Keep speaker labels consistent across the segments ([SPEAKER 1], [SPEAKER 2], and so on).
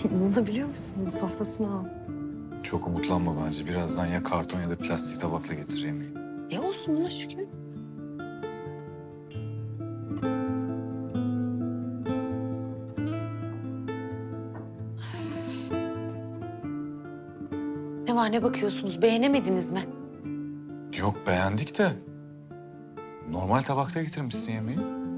[SPEAKER 1] İnanabiliyor musun? Bu sofrasını al.
[SPEAKER 2] Çok umutlanma bence. Birazdan ya karton ya da plastik tabakla getir yemeği.
[SPEAKER 1] Olsun buna şükür.
[SPEAKER 3] Ne var, ne bakıyorsunuz? Beğenemediniz mi?
[SPEAKER 2] Yok, beğendik de. Normal tabakta getirmişsin yemeği.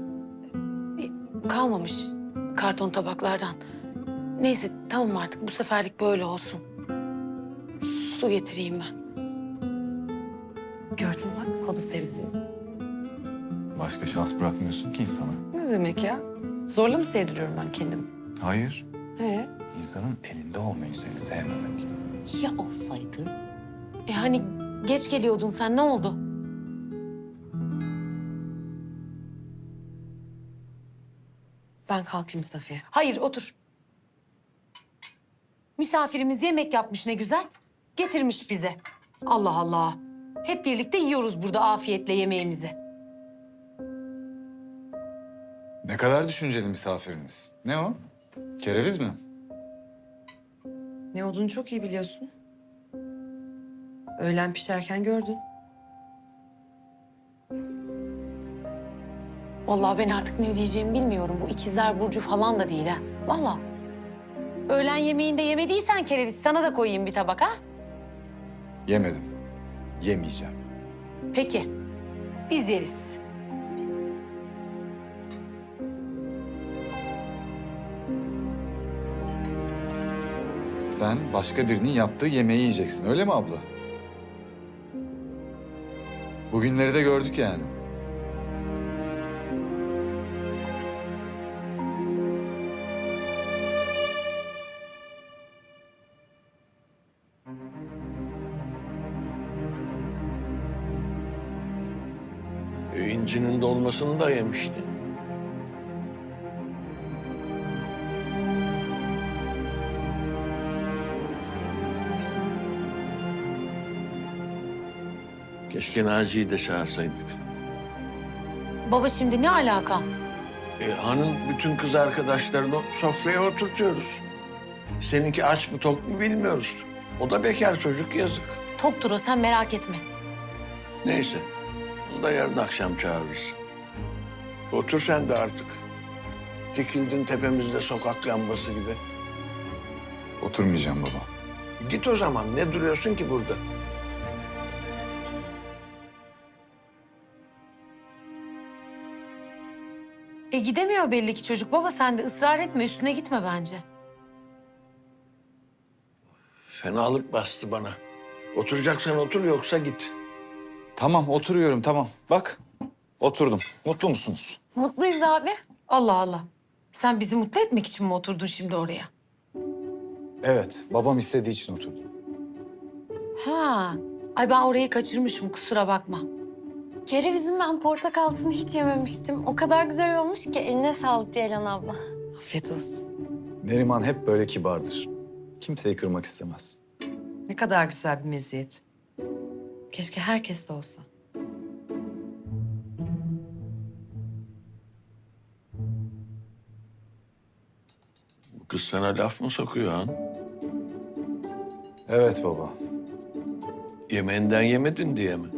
[SPEAKER 3] Kalmamış karton tabaklardan. Neyse tamam, artık bu seferlik böyle olsun. Su getireyim ben.
[SPEAKER 1] Gördün bak, halı sevdim.
[SPEAKER 2] Başka şans bırakmıyorsun ki insana.
[SPEAKER 1] Ne demek ya? Zorla mı sevdiriyorum ben kendimi?
[SPEAKER 2] Hayır. İnsanın elinde olmayı seni sevmemek.
[SPEAKER 1] Ya olsaydı?
[SPEAKER 3] Hani geç geliyordun sen, ne oldu?
[SPEAKER 1] Ben kalkayım Safiye.
[SPEAKER 3] Hayır, otur. Misafirimiz yemek yapmış ne güzel. Getirmiş bize. Allah Allah. Hep birlikte yiyoruz burada afiyetle yemeğimizi.
[SPEAKER 2] Ne kadar düşünceli misafiriniz. Ne o? Kereviz mi?
[SPEAKER 1] Ne olduğunu çok iyi biliyorsun. Öğlen pişerken gördün.
[SPEAKER 3] Vallahi ben artık ne diyeceğimi bilmiyorum. Bu ikizler burcu falan da değil ha. Vallahi. Öğlen yemeğinde yemediysen kereviz, sana da koyayım bir tabak ha.
[SPEAKER 2] Yemedim. Yemeyeceğim.
[SPEAKER 3] Peki. Biz yeriz.
[SPEAKER 2] Sen başka birinin yaptığı yemeği yiyeceksin, öyle mi abla? Bugünleri de gördük yani.
[SPEAKER 4] İncinin dolmasını da yemişti. Keşke Naci'yi de çağırsaydık.
[SPEAKER 3] Baba şimdi ne alaka?
[SPEAKER 4] Hanın bütün kız arkadaşlarını sofraya oturtuyoruz. Seninki aç mı tok mu bilmiyoruz. O da bekar çocuk, yazık.
[SPEAKER 3] Toktur o, sen merak etme.
[SPEAKER 4] Neyse, onu da yarın akşam çağırırız. Otur sen de artık. Dikildin tepemizde sokak lambası gibi.
[SPEAKER 2] Oturmayacağım baba.
[SPEAKER 4] Git o zaman, ne duruyorsun ki burada?
[SPEAKER 3] Gidemiyor belli ki çocuk. Baba sen de ısrar etme, üstüne gitme bence.
[SPEAKER 4] Fenalık bastı bana. Oturacaksan otur, yoksa git.
[SPEAKER 2] Tamam, oturuyorum, tamam. Bak, oturdum. Mutlu musunuz?
[SPEAKER 3] Mutluyuz abi. Allah Allah. Sen bizi mutlu etmek için mi oturdun şimdi oraya?
[SPEAKER 2] Evet, babam istediği için oturdum.
[SPEAKER 3] Ha. Ay ben orayı kaçırmışım, kusura bakma.
[SPEAKER 5] Kerevizin ben portakalsını hiç yememiştim. O kadar güzel olmuş ki eline sağlık Ceylan abla.
[SPEAKER 1] Afiyet olsun.
[SPEAKER 2] Neriman hep böyle kibardır. Kimseyi kırmak istemez.
[SPEAKER 1] Ne kadar güzel bir meziyet. Keşke herkes de olsa.
[SPEAKER 4] Bu kız sana laf mı sokuyor Han?
[SPEAKER 2] Evet baba.
[SPEAKER 4] Yemeğinden yemedin diye mi?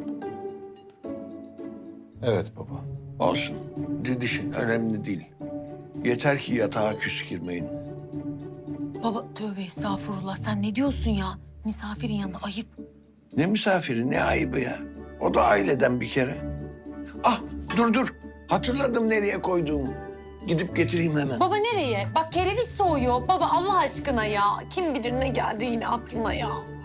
[SPEAKER 2] Evet baba.
[SPEAKER 4] Olsun. Didişin önemli değil. Yeter ki yatağa küs girmeyin.
[SPEAKER 3] Baba tövbe estağfurullah, sen ne diyorsun ya? Misafirin yanında ayıp.
[SPEAKER 4] Ne misafiri, ne ayıbı ya. O da aileden bir kere. Ah, dur. Hatırladım nereye koyduğumu. Gidip getireyim hemen.
[SPEAKER 3] Baba nereye? Bak kereviz soğuyor. Baba Allah aşkına ya. Kim bilir ne geldi yine aklına ya.